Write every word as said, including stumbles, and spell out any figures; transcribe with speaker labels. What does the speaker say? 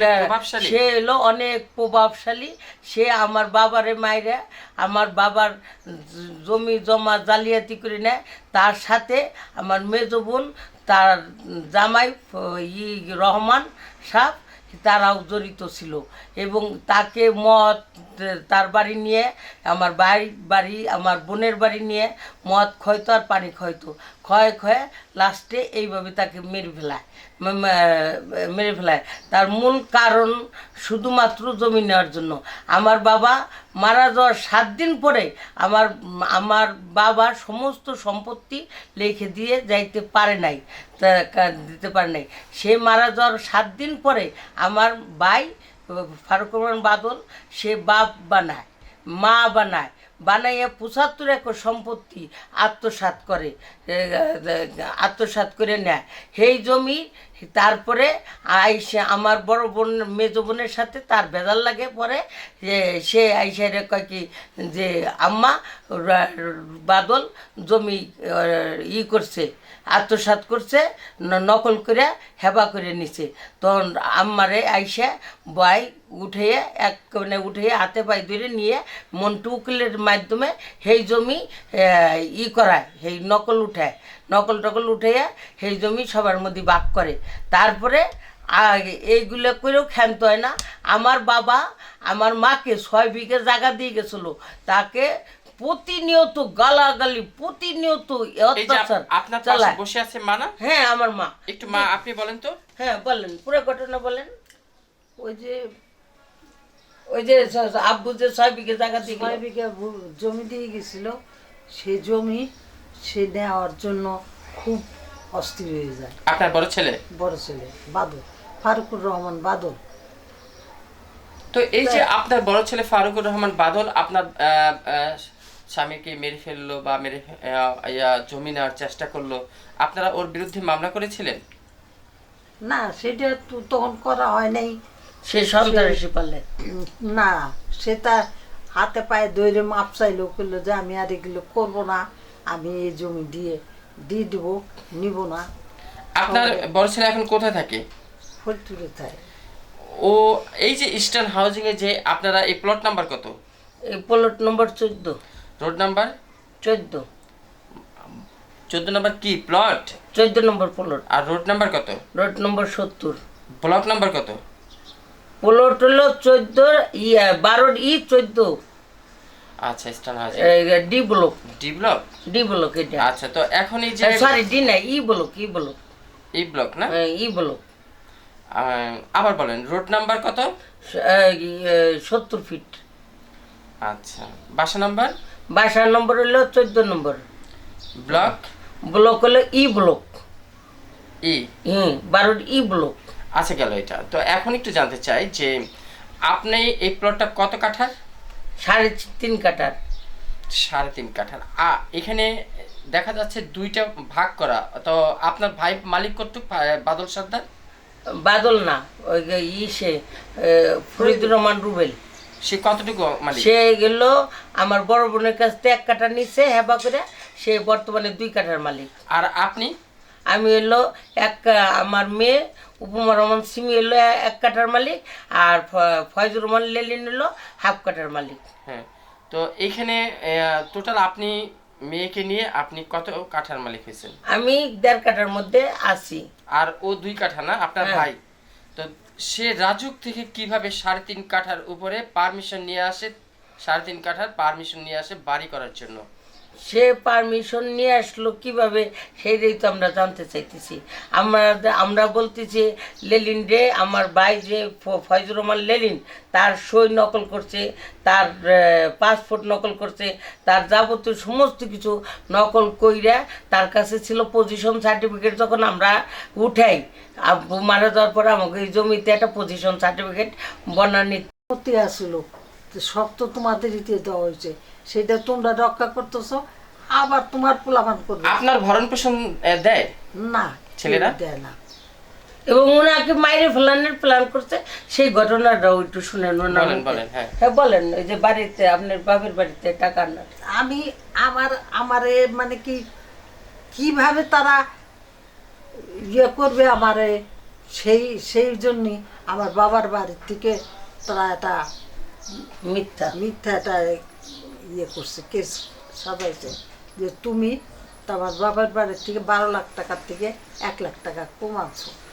Speaker 1: প্রভাবশালী
Speaker 2: সে হলো অনেক প্রভাবশালী। সে আমার বাবারে মাইরা আমার বাবার জমি জমা জালিয়াতি করে নেয়। তার সাথে আমার মেজ বোন, তার জামাই ই রহমান সাহেব, তারাও জড়িত ছিল। এবং তাকে মদ তার বাড়ি নিয়ে, আমার বাড়ি বাড়ি আমার বোনের বাড়ি নিয়ে মদ খয়তো আর পানি খয়তো, ক্ষয়ে ক্ষয়ে লাস্টে এইভাবে তাকে মেরে ফেলায় মেরে ফেলায় তার মূল কারণ শুধুমাত্র জমি নেওয়ার জন্য। আমার বাবা মারা যাওয়ার সাত দিন পরে আমার আমার বাবার সমস্ত সম্পত্তি লিখে দিয়ে যাইতে পারে নাই, দিতে পারে নাই। সে মারা যাওয়ার সাত দিন পরে আমার ভাই ফারুক রহমান বাদল সে বাপ বানায়, মা বানায়, বানাইয়া পঁচাত্তর একর সম্পত্তি আত্মসাৎ করে আত্মসাৎ করে নেয় সেই জমি। তারপরে আইসে আমার বড় বোন মেজ বোনের সাথে তার ভেজাল লাগে পরে, যে সে আইসে রে কয় কি যে আম্মা বাদল জমি ই করছে, আত্মসাৎ করছে, নকল করে হেবা করে নিছে। তখন আম্মারে আইসা বয় উঠিয়ে এক মানে উঠিয়ে হাতে পায়ে ধরে নিয়ে মন্টু উকিলের মাধ্যমে সেই জমি ই করায়, সেই নকল উঠায়, নকল টকল উঠাইয়া সেই জমি সবার মধ্যে ভাগ করে। তারপরে এইগুলো করেও ক্ষান্ত হয় না। আমার বাবা আমার মাকে ছয় বিঘে জায়গা দিয়ে গেছিলো, তাকে প্রতিনিয়ত গালাগালি, প্রতিনিয়ত অত্যাচার
Speaker 1: আপনার পাশে বসে আছে মা না?
Speaker 2: হ্যাঁ আমার মা।
Speaker 1: একটু মা আপনি বলেন তো।
Speaker 2: হ্যাঁ বলেন, পুরো ঘটনা বলেন। ওই যে ওই যে আব্বু যে ছয় বিঘে জায়গা দিয়ে
Speaker 3: ছয় বিঘা জমি দিয়ে গেছিল, সে জমি সে নেওয়ার জন্য খুব অস্থির হয়ে যায়।
Speaker 1: আপনার বড় ছেলে?
Speaker 3: বড় ছেলে বাদল, ফারুকুর রহমান বাদল।
Speaker 1: তো এই যে আপনার বড় ছেলে ফারুকুর রহমান বাদল আপনার স্বামীকে মেরে ফেললো বা মেরে জমি নেওয়ার চেষ্টা করলো, আপনারা ওর বিরুদ্ধে মামলা করেছিলেন?
Speaker 3: না, সেটা তো তখন করা হয় নাই।
Speaker 2: সে সন্ত্রাসী পারলে
Speaker 3: না, সে তার হাতে পায়ে দৈরে মাপ চাইলো, করলো যে আমি আর এগুলো করবো না, আমি এই জমি দিয়ে দিয়ে দেবো, নিব না।
Speaker 1: আপনার বড় ছেলে এখন কোথায় থাকে?
Speaker 3: ফরিদপুরে থাকে।
Speaker 1: ও এই যে ইস্টার্ন হাউজিং এ যে আপনারা এই প্লট নাম্বার কত?
Speaker 2: এই প্লট নম্বর চোদ্দ।
Speaker 1: রোড নাম্বার
Speaker 2: চোদ্দ।
Speaker 1: চোদ্দ নম্বর কি প্লট?
Speaker 2: চোদ্দ নম্বর প্লট।
Speaker 1: আর রোড নাম্বার কত?
Speaker 2: রোড নম্বর সত্তর।
Speaker 1: ব্লক নাম্বার কত?
Speaker 2: প্লট হলো চোদ্দ ইয়া বারো ই চোদ্দ।
Speaker 1: আচ্ছা, eastern housing
Speaker 2: D block.
Speaker 1: D block?
Speaker 2: D block এটা।
Speaker 1: আচ্ছা, তো এখন এই যে
Speaker 2: সরি ডি না, E block. E block.
Speaker 1: E block না?
Speaker 2: E block.
Speaker 1: আবার বলেন, রোড নাম্বার কত?
Speaker 2: সত্তর ফিট।
Speaker 1: আচ্ছা, বাসা নাম্বার?
Speaker 2: বাসার নম্বর হলো চোদ্দ নম্বর।
Speaker 1: ব্লক?
Speaker 2: ব্লক হলো ই ব্লক।
Speaker 1: ই
Speaker 2: হুম, বারো ই ব্লক।
Speaker 1: আচ্ছা, গেল এটা। তো এখন একটু জানতে চাই যে আপনি এই প্লটটা কত কাঠার?
Speaker 2: সাড়ে তিন কাঠার।
Speaker 1: সাড়ে তিন কাঠার। আ এখানে দেখা যাচ্ছে দুইটা ভাগ করা, তো আপনার ভাই মালিক কর্তৃক বাদল সর্দার?
Speaker 2: বাদল না, ওই ই সে ফরিদুর রহমান রুবেল।
Speaker 1: সে কতটুকু মালিক?
Speaker 2: সে গেল আমার বড় বোনের কাছ থেকে এক কাঠা নিচ্ছে হেবা করে, সে বর্তমানে দুই কাঠার মালিক।
Speaker 1: আর আপনি?
Speaker 2: আমি এলো এক, আমার মেয়ে উপমা রহমান সিমি এলো এক কাঠার মালিক, আর ফয়জুর রহমান লেলিন এলো হাফ কাঠার মালিক।
Speaker 1: হ্যাঁ, তো এইখানে টোটাল আপনি মেয়েকে নিয়ে আপনি কত কাঠার মালিক হয়েছেন?
Speaker 2: আমি দেড় কাঠার মধ্যে আছি।
Speaker 1: আর ও দুই কাঠা না, আপনার ভাই? তো সে রাজুক থেকে কিভাবে সাড়ে তিন কাঠার উপরে পারমিশন নিয়ে আসে, সাড়ে তিন কাঠার পারমিশন নিয়ে আসে বাড়ি করার জন্য?
Speaker 2: সে পারমিশন নিয়ে আসলো কিভাবে, সেইটাই তো আমরা জানতে চাইতেছি। আমরা আমরা বলতেছি লেলিন রে, আমার ভাই যে ফয়জুর রহমান লেলিন, তার সই নকল করছে, তার পাসপোর্ট নকল করছে, তার যাবতীয় সমস্ত কিছু নকল কইরা তার কাছে ছিল পজিশন সার্টিফিকেট। যখন আমরা উঠাই আব্বু মারা যাওয়ার পর আমাকে এই জমিতে একটা পজিশন সার্টিফিকেট বনানি
Speaker 3: আসলো, সব তো তোমাদের ইতে দেওয়া হয়েছে, সেটা তোমরা রক্ষা করতেছো, আবার তোমার পোলাপান করবে।
Speaker 1: আপনার ভরণ পোষণ দেয়
Speaker 3: না,
Speaker 1: ছেলেরা
Speaker 3: দেয় না।
Speaker 2: এবং ওনাকে মাইরে ফেলানোর প্ল্যান করছে, সেই ঘটনাটাও একটু শুনেন।
Speaker 1: বলেন বলেন। হ্যাঁ
Speaker 2: হ্যাঁ বলেন। ওই যে বাড়িতে আপনার বাপের বাড়িতে টাকা না,
Speaker 3: আমি আমার আমারে মানে কি কিভাবে তারা ইয়ে করবে আমারে সেই সেই জন্যই আমার বাবার বাড়ির থেকে তারা একটা
Speaker 2: মিথ্যা
Speaker 3: মিথ্যা একটা ইয়ে করছে, কেস সাজাইছে যে তুমি তো আমার বাবার বাড়ির থেকে বারো লাখ টাকার থেকে এক লাখ টাকা কমাচ্ছ।